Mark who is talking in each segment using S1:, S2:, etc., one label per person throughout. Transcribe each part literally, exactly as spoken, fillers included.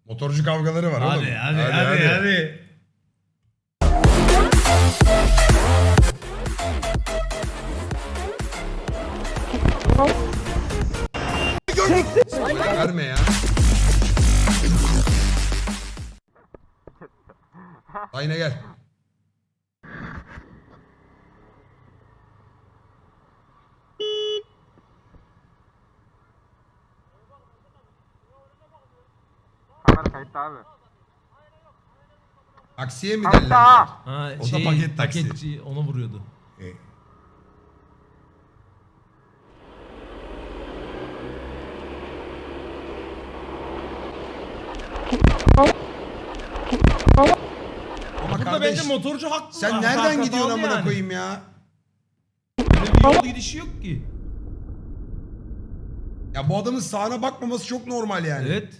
S1: Motorcu kavgaları var
S2: Hadi
S1: oğlum.
S2: hadi hadi hadi. hadi.
S1: Spoiler verme ya. Aynen gel.
S3: Kamera kayıtta abi.
S1: Taksiye mi
S3: Kayıtta.
S1: derler?
S2: Ha,
S1: O da
S2: şey,
S1: paket taksi.
S2: paketçi ona vuruyordu.
S1: E, Ama
S2: Burada
S1: kardeş,
S2: bence motorcu haklı.
S1: sen
S2: Ha-
S1: nereden
S2: hatalı
S1: gidiyorsun amına
S2: yani.
S1: koyayım ya?
S2: Böyle bir yol gidişi yok ki.
S1: Ya bu adamın sağına bakmaması çok normal yani.
S2: Evet.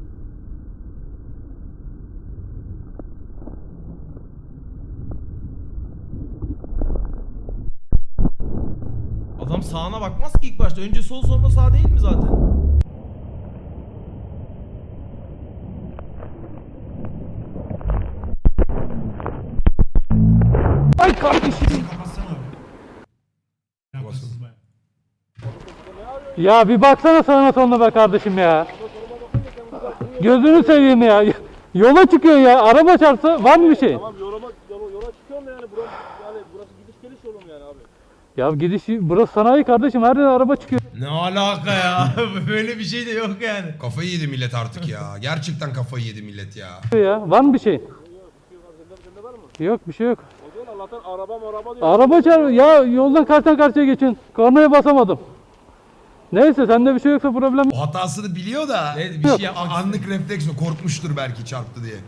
S2: Adam sağına bakmaz ki ilk başta. Önce sol sonra sağ değil mi zaten?
S4: Ay kardeşim. Ya bir baksana sağına soluna be kardeşim ya. Gözünü seveyim ya. Yola çıkıyor ya. Araba çarpsa var mı bir şey?
S5: Tamam yola, yola, yola çıkıyorum da yani burası, yani burası gidiş geliş yolum yani abi.
S4: Ya gidiş burası sanayi kardeşim. Her yere araba çıkıyor
S2: Ne alaka ya? Böyle bir şey de yok yani.
S1: Kafayı yedi millet artık ya. Gerçekten kafayı yedi millet ya.
S4: ya. Var mı bir şey?
S5: Sende var mı?
S4: Yok bir şey yok.
S5: O zaman Allah'tan araba maraba diyor.
S4: Araba çarp ya yoldan karşıdan karşıya geçin. Kornaya basamadım. Neyse sende bir şey yoksa problem.
S1: O hatasını biliyor da
S2: Evet, bir şey yapmak
S1: anlık refleks o. Korkmuştur belki çarptı diye.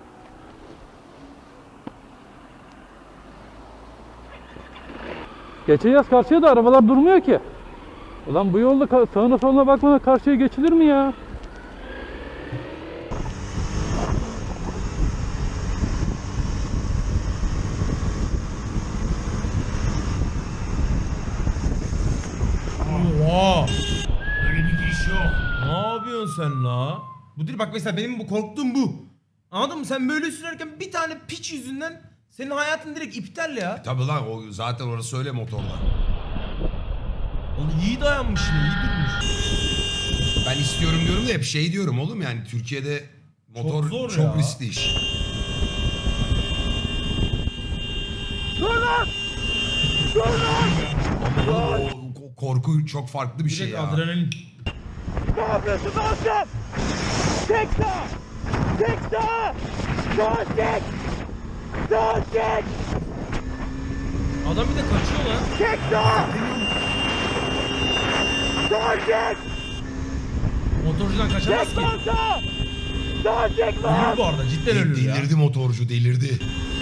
S4: Geçeceğiz karşıya da arabalar durmuyor ki. Ulan bu yolda ka- sağına soluna bakmadan karşıya geçilir mi ya?
S2: Oha! Öyle bir giriş yok. Ne yapıyorsun sen la? Bu değil bak mesela benim bu korktuğum bu. Anladın mı? Sen böyle sürerken bir tane piç yüzünden senin hayatın direkt iptal ya.
S1: Tabii lan o zaten orası öyle motorda.
S2: Oğlum iyi dayanmış yine, iyi durmuş.
S1: Ben istiyorum diyorum da hep şey diyorum oğlum yani Türkiye'de motor
S2: Çok
S1: çok,
S2: zor ya.
S1: riskli iş. Ama oğlum o, o korku çok farklı bir şey
S2: Direkt
S1: ya.
S2: adrenalin.
S5: Ne yapıyorsun Aslan? Çek sağa! Çek sağa! Sağa çek! Sağa çek!
S2: Adam bir de kaçıyor lan.
S5: Çek sağa! Sağa çek!
S2: Motorcudan kaçamaz
S5: Çek
S2: ki.
S5: lan sağa! Sağa çek lan!
S2: Ölür bu arada, cidden ölür ya.
S1: Delirdi motorcu delirdi.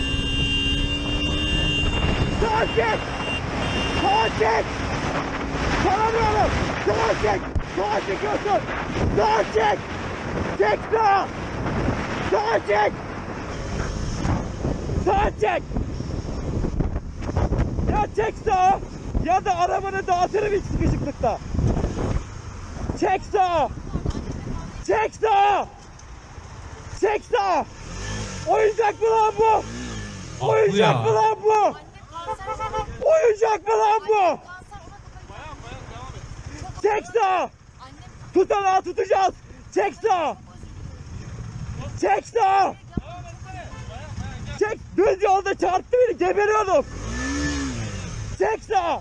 S5: Sağa çek! Sağa çek! Tanımıyorum! Sağa çek! Sağa çekiyorsun! Sağa çek! Çek sağa! Sağa çek! Sağa çek! Ya çek sağa! Ya da arabanı dağıtırım hiç sıkışıklıkta! Çek sağa! Çek sağa! Çek sağa! Oyuncak mı lan bu?
S2: Haklı
S5: Oyuncak
S2: ya.
S5: mı lan bu? Oyuncak mı lan bu? Çek sağa! Tutanağı tutacağız! Çek sağa! Çek sağa! Çek! Düz yolda çarptı beni geberiyordum! Çek sağa!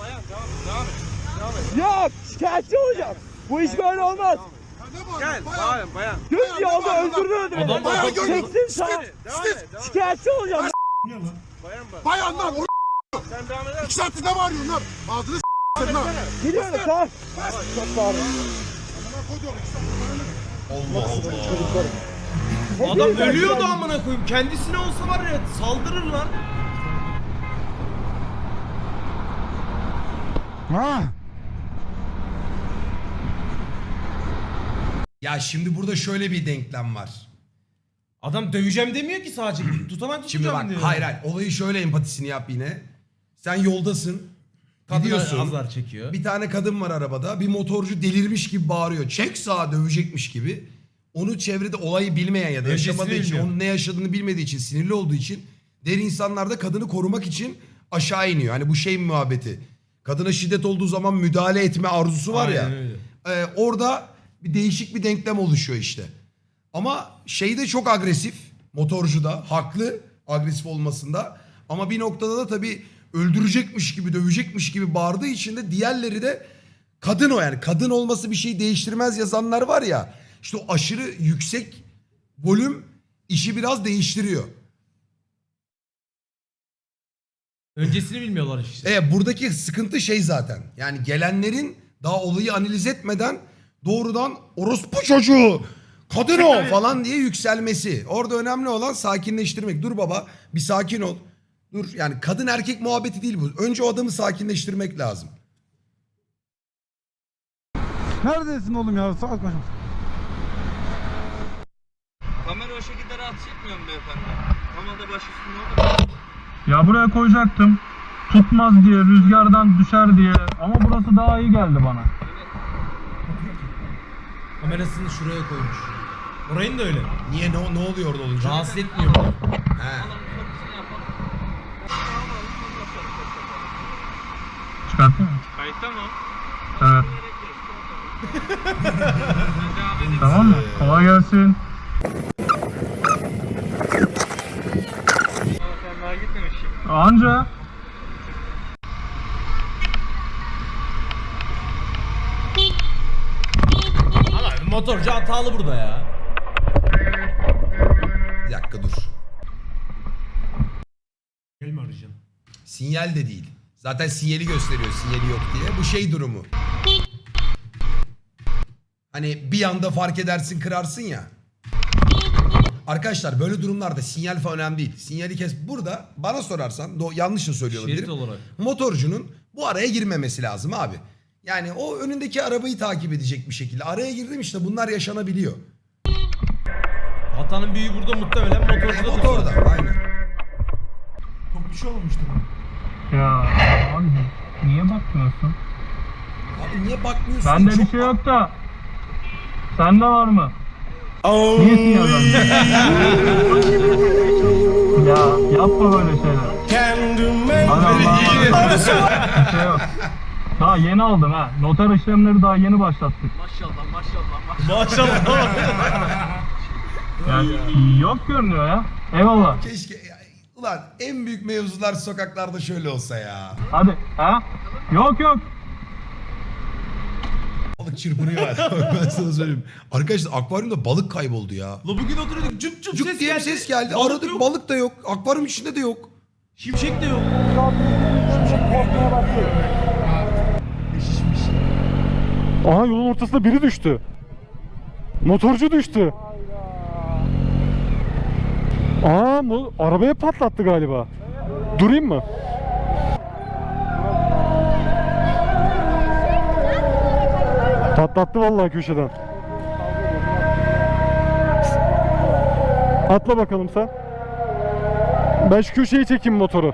S5: Yok! Şikayetçi olacağım! Bu iş böyle olmaz!
S3: Gel bayan bayan.
S5: Düz yolda öldürdü beni!
S2: Adam bayağı
S5: Çeksin sağa!
S3: Devam et. Devam et.
S5: Şikayetçi olacağım!
S3: Bayan bak.
S6: Bayanlar o
S3: Sen devam eder
S6: iki saattir ne bağırıyorsun lan? Ağzını s******in lan.
S5: Gidiyorum sağ! Çok sağ olun.
S1: Allah Allah.
S2: Adam ölüyordu amına koyayım. Kendisine olsa var ya saldırır lan.
S1: Ya şimdi burada şöyle bir denklem var.
S2: Adam döveceğim demiyor ki sadece. Tutanak
S1: Şimdi
S2: tutacağım
S1: bak
S2: diyor.
S1: hayır hayır olayı şöyle empatisini yap yine. Sen yoldasın.
S2: Kadın
S1: Gidiyorsun.
S2: azar çekiyor.
S1: Bir tane kadın var arabada. Bir motorcu delirmiş gibi bağırıyor. Çek sağa dövecekmiş gibi. onu çevrede olayı bilmeyen ya da
S2: Öncesini
S1: yaşamadığı için,
S2: bilmiyor.
S1: onun ne yaşadığını bilmediği için, sinirli olduğu için diğer insanlar da kadını korumak için aşağı iniyor. Hani bu şey muhabbeti. Kadına şiddet olduğu zaman müdahale etme arzusu var ya.
S2: Aynen öyle.
S1: e, orada bir değişik bir denklem oluşuyor işte. Ama şey de çok agresif. Motorcu da haklı agresif olmasında. Ama bir noktada da tabii öldürecekmiş gibi, dövecekmiş gibi bağırdığı için de diğerleri de kadın o yani. Kadın olması bir şey değiştirmez yazanlar var ya. İşte o aşırı yüksek volüm işi biraz değiştiriyor.
S2: Öncesini bilmiyorlar işte.
S1: E buradaki sıkıntı şey zaten. Yani gelenlerin daha olayı analiz etmeden doğrudan orospu çocuğu, kadın o falan diye yükselmesi. Orada önemli olan sakinleştirmek. Dur baba bir sakin ol. Dur yani kadın erkek muhabbeti değil bu. Önce o adamı sakinleştirmek lazım.
S6: Neredesin oğlum ya? Saat kaç?
S3: Kamera o şekilde rahatsız etmiyor mu beyefendi? Normalde baş üstünde olur.
S7: Ya buraya koyacaktım. Tutmaz diye, rüzgardan düşer diye. Ama burası daha iyi geldi bana.
S2: Kamerasını şuraya koymuş. Orayın da öyle.
S1: Niye ne, ne oluyor orada olunca?
S2: Rahatsız etmiyor bunu.
S1: He.
S7: Çıkartayım mı?
S3: Kayıtta mı?
S7: Evet. Tamam mı? Kolay gelsin.
S3: Sen daha gitmemişsin.
S7: Anca.
S2: Ama motorcu hatalı burada ya.
S1: Bir dakika dur.
S2: Gel mi arayacaksın?
S1: Sinyal de değil. Zaten sinyali gösteriyor sinyali yok diye. Bu şey durumu. Hani bir anda fark edersin kırarsın ya. Arkadaşlar böyle durumlarda sinyal falan önemli değil. Sinyali kes. Burada bana sorarsan do- yanlış da söylüyor
S2: Şerit
S1: olabilirim.
S2: olarak.
S1: Motorcunun bu araya girmemesi lazım abi. Yani o önündeki arabayı takip edecek bir şekilde. Araya girdim işte bunlar yaşanabiliyor.
S2: Hatanın büyüğü burada muhtemelen motorcuda.
S1: Motorda aynen.
S2: Çok bir şey olmuştur.
S7: Ya abi niye bakmıyorsun?
S1: Abi niye bakmıyorsun?
S7: Bende bir
S1: Çok-
S7: şey yok da. Sende var mı? Niye sinyal vermiyorsun? Ya yapma böyle şeyler. Hadi Allah'a emanet. Bir şey yok. Daha yeni aldım ha. Noter işlemleri daha yeni başlattık.
S2: Maşallah.
S7: Yani yok görünüyor ya. Eyvallah.
S1: Keşke ya, ulan en büyük mevzular sokaklarda şöyle olsa ya.
S7: Hadi. Ha? Yok yok.
S1: Balık çırpınıyor hala. Ben sana söyleyeyim. Arkadaşlar akvaryumda balık kayboldu ya.
S2: La bugün oturuyorduk cüp cüp
S1: Cuk
S2: ses
S1: diye bir
S2: geldi.
S1: ses geldi.
S2: Balık
S1: Aradık
S2: yok.
S1: balık da yok. Akvaryum içinde de yok.
S2: Şimşek de yok.
S8: Aha yolun ortasında biri düştü. Motorcu düştü. Aa bu arabaya patlattı galiba. Durayım mı? Patlattı vallahi köşeden. Atla bakalım sen. Ben şu köşeyi çekeyim motoru.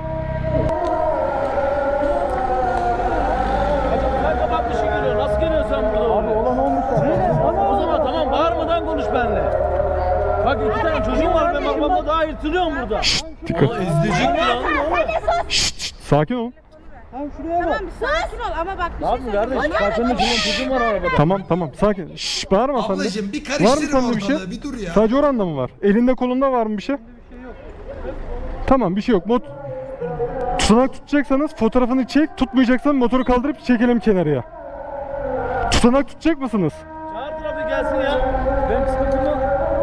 S5: Sen kapatmışsın geliyor. Nasıl geliyorsun sen burada? Abi olan olmuş. O zaman tamam bağırmadan konuş benimle. Bak iki tane çocuğum var ben babamla daha yırtılıyorum burada.
S8: Dikkat.
S2: Aa ezdirecek mi lan?
S8: Şşt, şşt, sakin ol.
S9: Tamam bir sakin ol ama bak bir
S5: Abi
S9: şey
S5: kardeş
S9: söyleyeyim.
S5: karşında çocuğum çocuğum var arabada.
S8: Tamam tamam sakin. Şşş bağırma sen de.
S1: Ablacığım bir
S8: Var mı
S1: karıştırma
S8: sende bir şey?
S1: ortalığı. Bir dur ya.
S8: Sadece oranda mı var? Elinde kolunda var mı bir şey? Tamam bir şey yok. Mot Tutanak tutacaksanız fotoğrafını çek. Tutmayacaksan motoru kaldırıp çekelim kenarıya. Tutanak tutacak mısınız?
S5: Çağır trafik gelsin ya. Benim sıkıntım yok.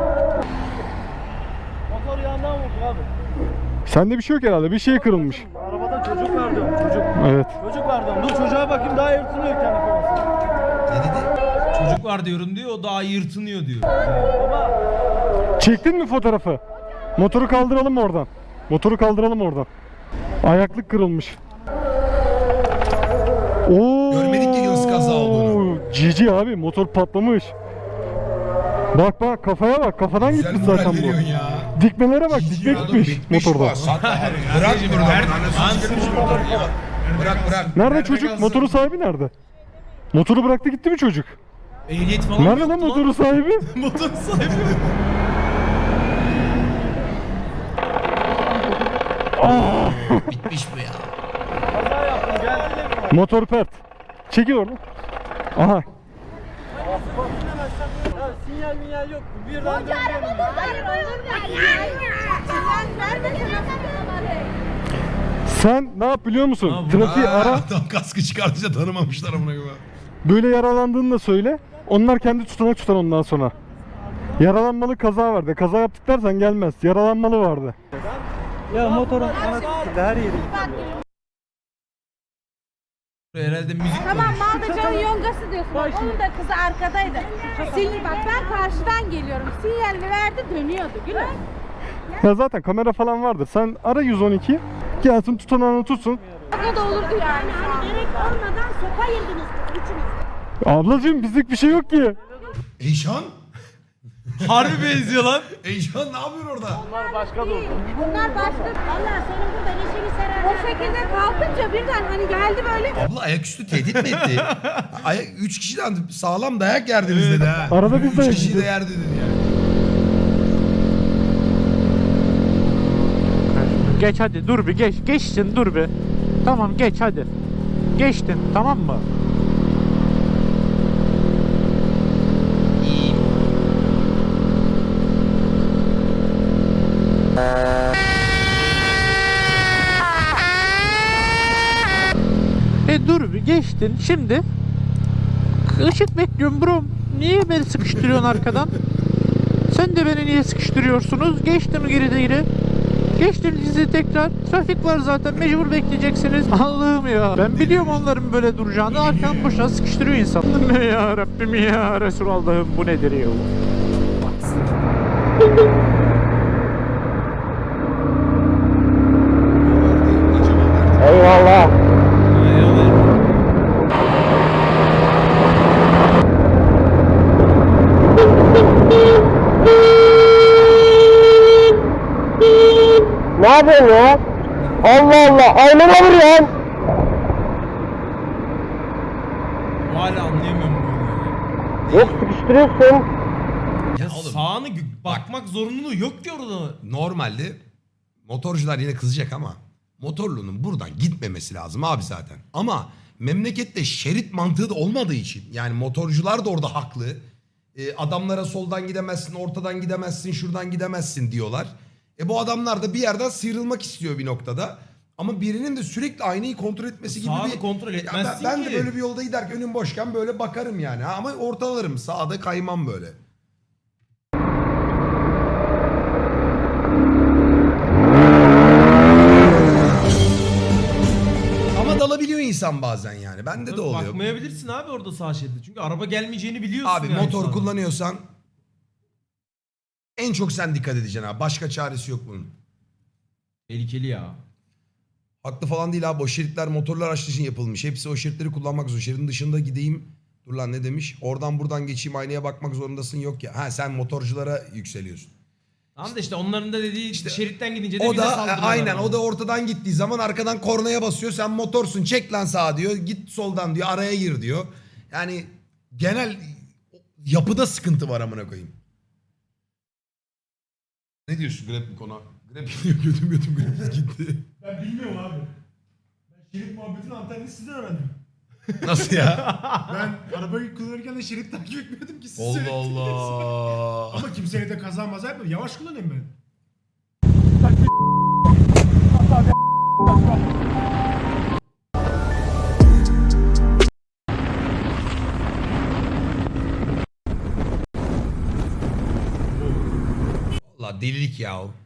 S5: Motor yandan vurdu abi.
S8: Sende bir şey yok herhalde. Bir şey kırılmış.
S5: Arabada çocuk var diyorum çocuk.
S8: Evet.
S5: Çocuk var diyorum. Dur çocuğa bakayım daha yırtılıyor kendi kafası.
S1: Ne dedi?
S2: Çocuk var diyorum diyor o daha yırtınıyor diyor.
S5: Baba.
S8: Çektin mi fotoğrafı? Motoru kaldıralım oradan. Motoru kaldıralım oradan. Ayaklık kırılmış. Oo.
S1: Görmedik ki nasıl kaza olduğunu.
S8: Cici abi motor patlamış. Bak bak kafaya bak kafadan
S1: Güzel
S8: gitmiş
S1: moral
S8: zaten bu.
S1: veriyorsun ya.
S8: Dikmelere bak
S1: Ciddi
S8: dikme
S1: adam
S8: gitmiş
S1: bitmiş
S8: motorda.
S1: bu. Sat- Bırak burada. Anasını sikmiş motoru ya. Bırak bırak.
S8: Nerede çocuk?
S1: kalsın?
S8: Motorun sahibi nerede? Motoru bıraktı gitti mi çocuk?
S2: Ehliyet falan
S8: Nerede
S2: yoktu
S8: lan motorun sahibi?
S2: Motor sahibi.
S1: Bitmiş bu ya.
S8: Motor pert. Çekil oradan. Aha.
S5: Sinyal minyal yok. Birden
S9: Hoca araba dur. Araba yok. Sinyal vermesene.
S8: Sen ne yap biliyor musun?
S2: Ha, bu-
S8: Trafiği ara.
S1: Adam kaskı çıkartınca tanımamışlar amına koyayım.
S8: Böyle yaralandığını da söyle. Onlar kendi tutanak tutar ondan sonra. Yaralanmalı kaza vardı. Kaza yaptık dersen gelmez. Yaralanmalı vardı.
S5: Ya motorun ana her yeri.
S2: Herhalde müzik
S9: Tamam
S2: koymuş.
S9: Maldacan'ın yongası diyorsun. Bak, onun da kızı arkadaydı. Sinyal bak ben karşıdan geliyorum. Sinyalini verdi dönüyordu. Gülüm.
S8: Ya zaten kamera falan vardır. Sen ara yüz on iki. Gelsin tutanağını tutsun.
S9: Şaka da olurdu yani. Hani gerek olmadan sopa yediniz üçünüz.
S8: Ablacığım bizlik bir şey yok ki.
S1: Eyşan?
S2: Harbi benziyor lan.
S1: Eyşan ne yapıyorsun orada?
S9: Bunlar başka da Bunlar başka. Valla senin burada neşeni serer. O şekilde kalkınca birden hani geldi böyle.
S1: Abla ayaküstü tehdit mi etti? Ayak, üç kişiden sağlam dayak yerdiniz dedi ha.
S8: Arada biz de
S1: Üç kişi de
S8: yiyeceğiz.
S1: yerdi dedi ya.
S10: Geç hadi dur bir geç. Geçsin dur bir. Tamam geç hadi. Geçtin tamam mı? E dur bir geçtin şimdi. Işık bekliyorum bro. Niye beni sıkıştırıyorsun arkadan? Sen de beni niye sıkıştırıyorsunuz? Geçtim geri geri. Geçtim dizi tekrar. Trafik var zaten mecbur bekleyeceksiniz. Allah'ım ya. Ben biliyorum onların böyle duracağını. Arkadan boşuna sıkıştırıyor insan. Ne ya Rabbim ya Resulallah'ım bu nedir ya?
S8: Eyvallah. Ne yapıyorsun ya? Allah Allah. Aynama vuruyorsun.
S2: Hala anlayamıyorum bunu.
S8: Yok sıkıştırıyorsun.
S2: Ya,
S1: Ya oğlum,
S2: sağını gö- bakmak zorunluluğu yok ki orada.
S1: Normalde motorcular yine kızacak ama motorlunun buradan gitmemesi lazım abi zaten. Ama memlekette şerit mantığı da olmadığı için yani motorcular da orada haklı. Ee, adamlara soldan gidemezsin, ortadan gidemezsin, şuradan gidemezsin diyorlar. E bu adamlar da bir yerden sıyrılmak istiyor bir noktada. Ama birinin de sürekli aynayı kontrol etmesi gibi
S2: Sağını
S1: bir...
S2: kontrol
S1: Ya
S2: etmezsin
S1: ben, ben
S2: ki.
S1: de böyle bir yolda giderken önüm boşken böyle bakarım yani. Ha, ama ortalarım, sağda kaymam böyle. Ama dalabiliyor insan bazen yani. Bende de oluyor.
S2: Bakmayabilirsin abi orada sağ şeride. Çünkü araba gelmeyeceğini biliyorsun.
S1: Abi
S2: yani
S1: motor
S2: sağda.
S1: kullanıyorsan en çok sen dikkat edeceksin abi. Başka çaresi yok bunun.
S2: Tehlikeli ya.
S1: Haklı falan değil abi. O şeritler motorlar araçlar için yapılmış. Hepsi o şeritleri kullanmak zorunda. Şeridin dışında gideyim. Dur lan ne demiş? Oradan buradan geçeyim aynaya bakmak zorundasın yok ya. Ha sen motorculara yükseliyorsun.
S2: Tamam da işte onların da dediği
S1: İşte
S2: şeritten gidince de
S1: O
S2: bize
S1: da
S2: saldırıyorlar.
S1: aynen
S2: ama.
S1: o da ortadan gittiği zaman arkadan kornaya basıyor. Sen motorsun çek lan sağa diyor. Git soldan diyor araya gir diyor. Yani genel yapıda sıkıntı var amına koyayım. Ne diyorsun Grab bu konu? Grab götüm götüm Grab gitti.
S6: Ben bilmiyorum abi. Ben şerit muhabbetini antenini sizden öğrendim.
S1: Nasıl ya?
S6: Ben arabayı kullanırken de şerit takip etmiyordum ki siz
S1: Allah
S6: söylediniz.
S1: Allah.
S6: Ama kimseye de kaza maza yapmadım. Yavaş kullanayım ben.
S1: Allah delilik ya o.